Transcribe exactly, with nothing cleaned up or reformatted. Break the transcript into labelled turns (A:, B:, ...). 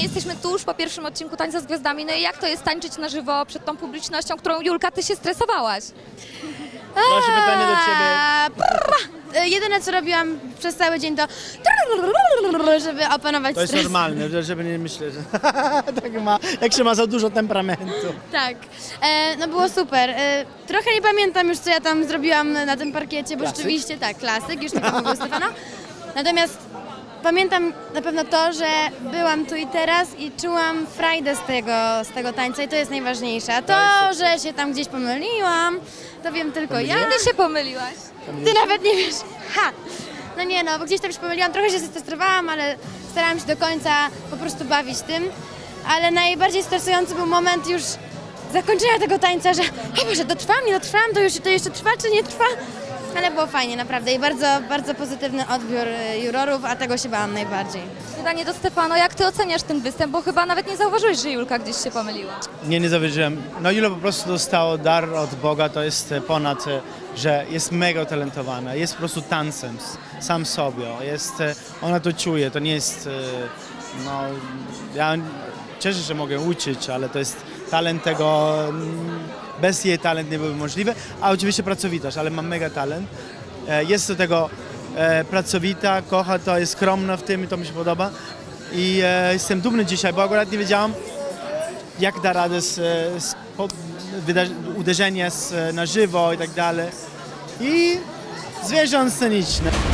A: Właśnie jesteśmy tuż po pierwszym odcinku Tańca z Gwiazdami. No i jak to jest tańczyć na żywo przed tą publicznością, którą, Julka, ty się stresowałaś?
B: Proszę, pytanie do ciebie.
C: A, prrr. Jedyne co robiłam przez cały dzień to żeby opanować
B: To jest
C: stres.
B: normalne, że- żeby nie myśleć, że tak ma, jak się ma za dużo temperamentu.
C: Tak, e, no było super. E, trochę nie pamiętam już co ja tam zrobiłam na tym parkiecie, bo
B: Klasyk?
C: rzeczywiście tak, klasyk, już nie pomogło Stefana. Natomiast pamiętam na pewno to, że byłam tu i teraz i czułam frajdę z tego, z tego tańca i to jest najważniejsze. A to, że się tam gdzieś pomyliłam, to wiem tylko ja.
A: Ty się pomyliłaś.
C: Ty nawet nie wiesz. Ha! No nie no, bo gdzieś tam się pomyliłam, trochę się zestresowałam, ale starałam się do końca po prostu bawić tym. Ale najbardziej stresujący był moment już zakończenia tego tańca, że o Boże, dotrwam, nie dotrwam, to już to jeszcze trwa, czy nie trwa? Ale było fajnie, naprawdę i bardzo, bardzo pozytywny odbiór y, jurorów, a tego się bałam najbardziej.
A: Pytanie do Stefano, jak ty oceniasz ten występ, bo chyba nawet nie zauważyłeś, że Julka gdzieś się pomyliła.
B: Nie, nie zawierzyłem. No Julo po prostu dostało dar od Boga, to jest e, ponad, e, że jest mega utalentowana, jest po prostu tancem, s- sam sobie, jest, e, ona to czuje, to nie jest, e, no, ja cieszę się, że mogę uczyć, ale to jest talent tego, mm, bez jej talent nie byłby możliwy, a oczywiście pracowitość, ale mam mega talent, e, jest do tego e, pracowita, kocha to, jest skromna w tym i to mi się podoba i e, jestem dumny dzisiaj, bo akurat nie wiedziałam, jak da radę z, z po, wyda- uderzenie z, na żywo i tak dalej. I zwierząt sceniczne.